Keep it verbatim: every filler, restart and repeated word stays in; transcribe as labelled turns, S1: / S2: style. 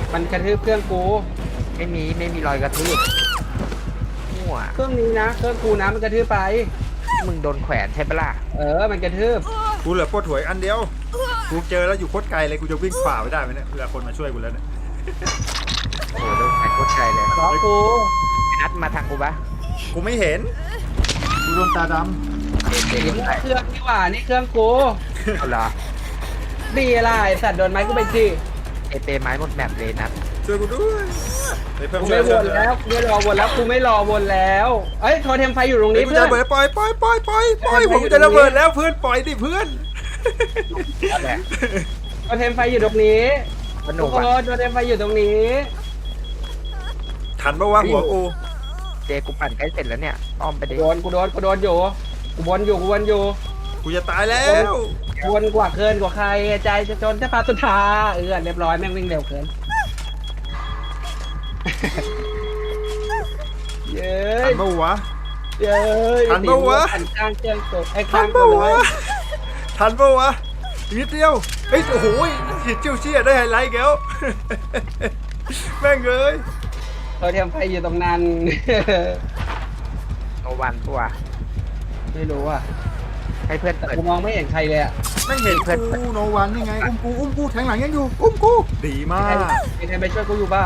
S1: มันกระทืบเครื่องกู
S2: ไม่มีไม่มีรอยกระทืบมั่ว
S1: เครื่องนี้นะเครื่องกูนะมันกระทืบไป
S2: มึงโดนแขวนใช่ปะล่ะ
S1: เออมันกระทืบ
S3: กูเหลือปวดหัวอีกอันเดียวกูเจอแล้วอยู่โคตรไกลเลยกูจะวิ่งฝ่าไปได้ไหมเนี่ยเวลาคนมาช่วยกูแล้วเนี่ย
S2: โอ้โหโดนแขวนโคตรไกลเลย
S1: ล้อกู
S2: นัดมาทางกูปะ
S3: กูไม่เห็นกูโดนตาด
S2: เด็กเด็ก
S1: นี่
S2: ไป
S1: เครื่องนี่หว่านี่เครื่องกู
S2: เอาเหรอ
S1: ดีอะไรสัตว์โดนไม้กูไปสิ
S2: เอเปไม้หมดแมปเลยนัด
S3: ำช่วยกูด้วยเฮ้ยเพิ่ม
S1: กู
S3: ช่ว
S1: ไม่
S3: ย
S1: วนแล้วกูไม่รอวนแล้วกูไม่รอวนแล้วเอ้ยโทรเทมไฟอยู่ตรง
S3: เฮ้
S1: นี้
S3: ยกู
S1: เพื่
S3: จะ
S1: อน
S3: ระเบิดปล่อยปล่อยปล่อยปล่อยปล่อย
S1: เฮ้ย
S3: ผมจะระเบิดแล้วเพื่อนปล่อยดิเพื่อน
S2: นั่นแหละ
S1: โทรเทมไฟอยู่ตรงนี้
S2: สนุ
S1: ทุ
S2: ก
S1: กค
S2: ว่ะ
S1: นโทรเทมไฟอยู่ตรงนี้
S3: ทันปะวะหัวกู
S2: เจกูปั่นใกล้เสร็จแล้วเนี่ยอ้อมไปดิ
S1: โดนกูโดนกูโดนอยู่กูวนอยู่กูวนอยู่
S3: กูจะตายแล้ว
S1: วนกว่าเกินกว่าใครใจจะจนจะพาสุดทาเออเรียบร้อยแม่งวิ่งเร็วเกิน เย้
S3: ทั
S1: ย
S3: นปะวะ
S1: เย้ย
S3: ทันปะวะ
S1: ทันข้างเครื่องตัวไอ้
S3: ทั
S1: ข้าน ง
S3: ปะ
S1: ตัว
S3: วะ
S1: เลย
S3: ทันปะวะอีกนิดเดียวเฮ้ยโอ้โหหิดเจียวเชี่ยได้ไฮไลท์แก้ว แม่งเลย
S1: ตัวเทียมไฟอยู่ตรงนั้น
S2: โนวันตัว
S1: ไม่รู้อ่ะ
S2: ให้เพื่อน
S1: แต่
S2: เปิด
S1: กูมองไม่เห็นใครเลยอ่ะ
S3: ไม่เห็นกูโนวันนี่ไงอุ้มกูอุ้มกูแทงหลังยังอยู่อุ้มกูดีมาก
S1: มีใครไปช่วยกูอยู่เปล่า